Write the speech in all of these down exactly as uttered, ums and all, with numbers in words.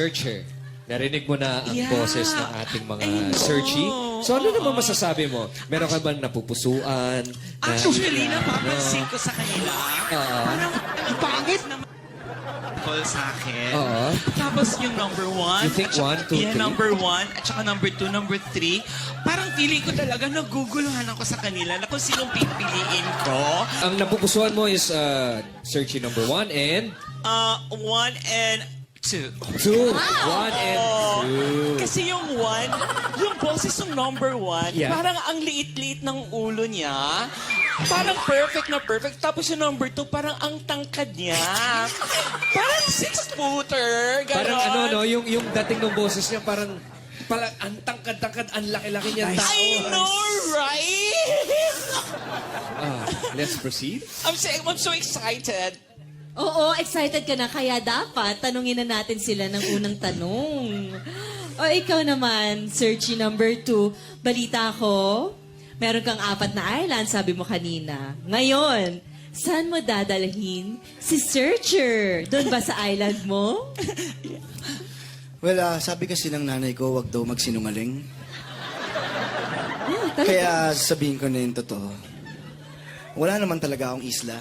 Searcher. Narinig mo na ang Yeah. boses ng ating mga I know. searchy. So ano naman masasabi mo? Meron ka bang napupusuan? Na, Actually, napapansin ko sa kanila. Oo. Parang ang pangit naman call sa akin. Oo. Tapos yung number one. You think at saka- one, two, yeah, three? number one. At saka number two, number three. Parang feeling ko talaga naguguluhan ako sa kanila na kung sinong pipiliin ko. Ang napupusuan mo is uh, Searchy number one and Uh, one and two. two. One and two. Kasi yung one, yung boses ng number one, Yeah. parang ang liit-liit ng ulo niya. Parang perfect na perfect. Tapos yung number two, parang ang tangkad niya. Parang six-footer. Ganon. Parang ano, no? Yung, yung dating ng boses niya, parang pala, ang tangkad-tangkad, ang laki-laki niyang tao. I know, right? Ah, let's proceed. I'm, so, I'm so excited. Oo, excited ka na. Kaya dapat, tanungin na natin sila ng unang tanong. O ikaw naman, Searchy number two, balita ko, meron kang apat na island, sabi mo kanina. Ngayon, saan mo dadalhin si Searcher? Doon ba sa island mo? Well, ah, sabi kasi ng nanay ko, wag daw magsinungaling. Oh, talaga? Kaya sabihin ko na yung totoo. Wala naman talaga akong isla.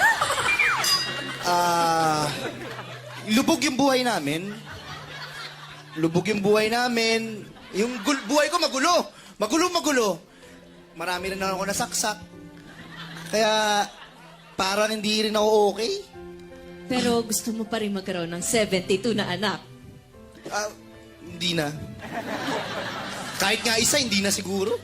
Ah, lubog yung buhay namin. Lubog yung buhay namin. Yung gul- buhay ko magulo. Magulo, magulo. Marami rin ako nasaksak. Kaya parang hindi rin ako okay. Pero gusto mo pa rin magkaroon ng seventy-two na anak. Ah, hindi na. Kahit nga isa, hindi na siguro.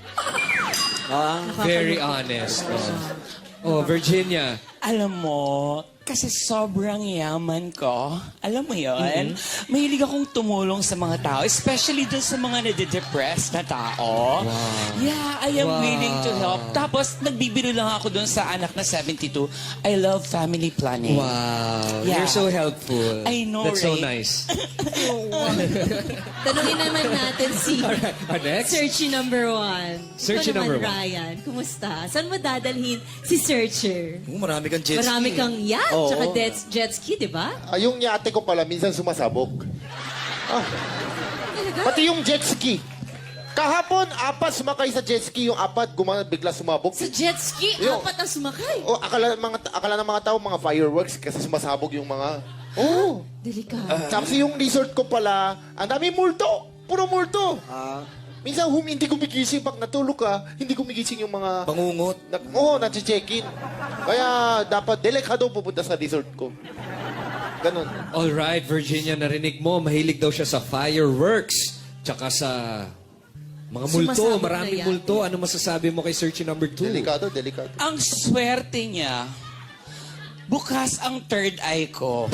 Very honest. Oh, oh Virginia. Alam mo, kasi sobrang yaman ko. Alam mo yon, mahilig akong tumulong sa mga tao, especially dun sa mga nade-depressed na tao. Yeah, I am Wow. willing to help. Tapos, nagbibiro lang ako dun sa anak na seventy-two. I love family planning. Wow. Yeah. You're so helpful. I know, That's so right? nice. Tanungin naman natin si Our next? Searchy number one. Searchy Ikaw naman, number one. Ryan, kumusta? Saan mo dadalhin si Searcher? Oo, marami kang jet ski. Marami kang yacht, Oo. tsaka jet, jet ski, di ba? Ah, yung yate ko pala, minsan sumasabog. Ah. Pati yung jet ski. Kahapon, apat sumakay sa jet ski. Yung apat, guma, bigla sumabog. Sa jet ski, Yo. apat ang sumakay. O, akala, mga, akala ng mga tao, mga fireworks, kasi sumasabog yung mga... Oh. Delikado. Tapos yung resort ko pala, ang dami multo. Puro multo. Ah, Minsan, hum, hindi gumigising. Pag natulog ka, hindi gumigising yung mga... bangungot. Na, Oo, oh, nag-check-in. Kaya dapat delikado pupunta sa resort ko. Ganon. All right, Virginia, narinig mo, mahilig daw siya sa fireworks. Tsaka sa mga multo, Sumasabog na maraming yan. multo. Ano masasabi mo kay Searchy number two? Delikado, delikado. Ang swerte niya, bukas ang third eye ko.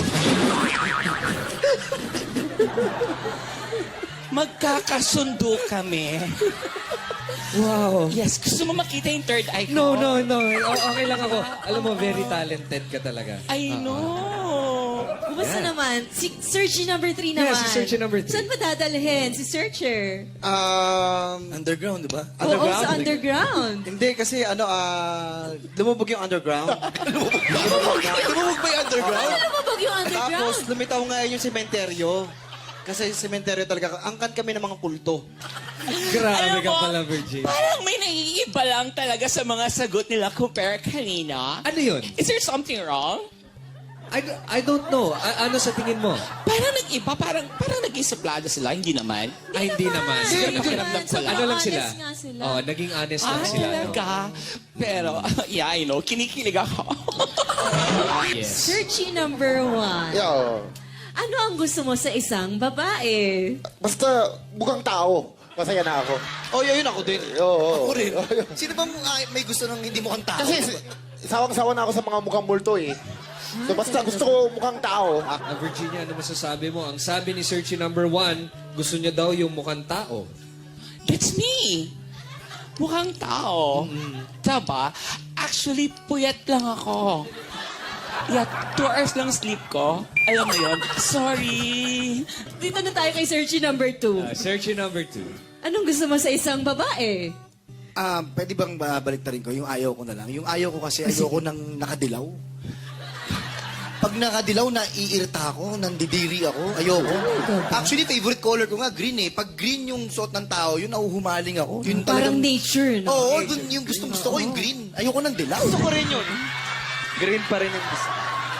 Magkakasundo kami. Wow. Yes, gusto mo makita yung third eye ko? No, no, no. O- okay lang ako. Alam mo, very talented ka talaga. I know. Kumusta Yeah. naman? Si Searchy number three Yeah, naman. si Searchy number three. Saan mo dadalhin si Searcher? Um, Underground, di ba? Oo, sa underground. hindi kasi ano, ah, lumubog yung underground. Tumawag ba yung underground? Ano mo bag yung underground? Tapos lumitaw nga yung sementeryo. Kasi yung sementeryo talaga, angkan kami ng mga kulto. Grabe Alam ka mo, pala, Virginia. Parang may naiiba lang talaga sa mga sagot nila compare kanina. Ano yun? Is there something wrong? I, I don't know. A- ano sa tingin mo? Parang nag-iba, parang, parang naging suplado sila, hindi naman. Ay, hindi naman. Hindi Hindi naman. naman. Sobrang Ano lang sila? honest nga sila. Oh, naging honest Ah, lang sila. No? talaga? Pero, yeah, I know, kinikilig ako. Yes. Searchy number one. Yeah. Ano ang gusto mo sa isang babae? Basta mukhang tao. Masaya na ako. Oh, yun ako din. Oo. Ako rin. Sino bang ah, may gusto ng hindi mukhang tao? Kasi s- sawang-sawa na ako sa mga mukhang multo eh. So basta gusto ko mukhang tao. Ah, Virginia, ano masasabi mo? Ang sabi ni Searchy number one, gusto niya daw yung mukhang tao. That's me. Mukhang tao. Diba? Actually, puyat lang ako. Yeah, two hours lang sleep ko. Alam mo yun? Sorry. Dito na tayo kay Searchy number two. Uh, Searchy number two. Anong gusto mo sa isang babae? Ah, pwede bang babalik ko yung ayaw ko na lang? Yung ayaw ko kasi ayoko nang nakadilaw. Pag nakadilaw, naiirita ako, nandidiri ako, ayoko. Actually, favorite color ko nga, green eh. Pag green yung suot ng tao, yun, nahuhumaling ako. Yun Parang talagang... nature, no? Oo, dun yung gustong gusto ko, yung green. Ayoko ng dilaw. Gusto ko rin yun. Green pa rin yung gusto.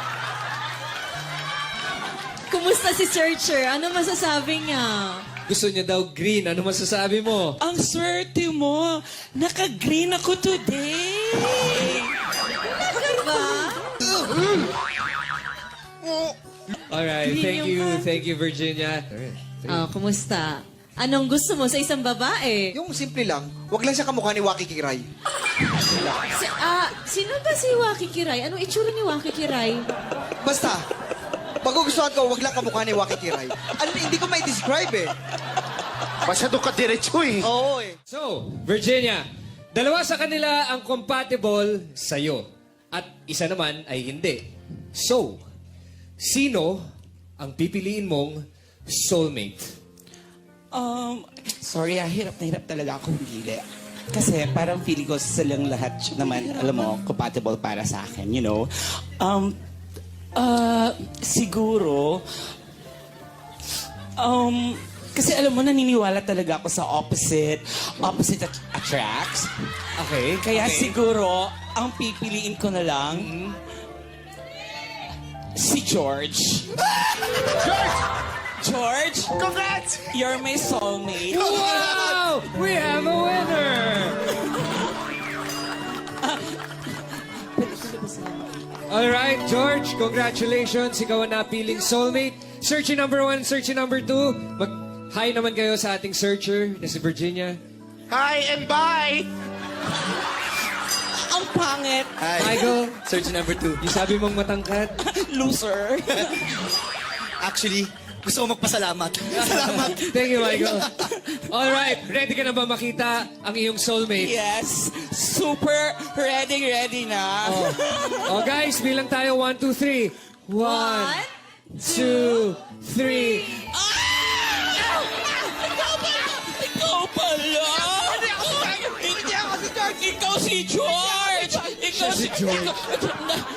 Kumusta si Searcher? Ano masasabi niya? Gusto niya daw green. Ano masasabi mo? Ang swerte mo. Naka-green ako today. Diba? Alright, Green thank yung you. ka- Thank you, Virginia. Alright. Oh, kumusta? Anong gusto mo sa isang babae? Yung simple lang, wag lang siya kamukha ni Waki Kiray. Si, ah, sino ba si Waki Kiray? Anong itsura ni Waki Kiray? Basta, magugustuhan ko, wag lang kamukha ni Waki Kiray. Ano, hindi ko may describe eh. Masyado ka diretso eh. Oo eh. So, Virginia, dalawa sa kanila ang compatible sa'yo. At isa naman ay hindi. So, sino ang pipiliin mong soulmate? Um, sorry ah, hirap na hirap talaga akong pili. Kasi parang feeling ko silang lahat naman, alam mo, compatible para sa akin, you know. Um, uh, siguro, um, kasi alam mo, naniniwala talaga ako sa opposite, opposite at- attracts. Okay. Kaya okay. siguro, ang pipiliin ko na lang, si George. George! George! Congrats! You're my soulmate. Wow! We have a winner! Alright, George, congratulations. Ikaw ang napiling soulmate. Searchy number one, searchy number two. Mag-hi naman kayo sa ating searcher na si Virginia. Hi and bye! Ang pangit. Hi. Michael, Search number two. yung sabi mong matangkad. Loser. Actually, gusto ko magpasalamat. Salamat. Thank you, Michael. Alright, ready ka na ba makita ang iyong soulmate? Yes. Super ready, ready na. Oh, guys, bilang tayo. One, two, three. One, two, three. Ah! Ikaw pala! Ikaw pala! Hindi ako si George! Hindi ako si George! Ikaw si George! Ikaw si George. Ikaw-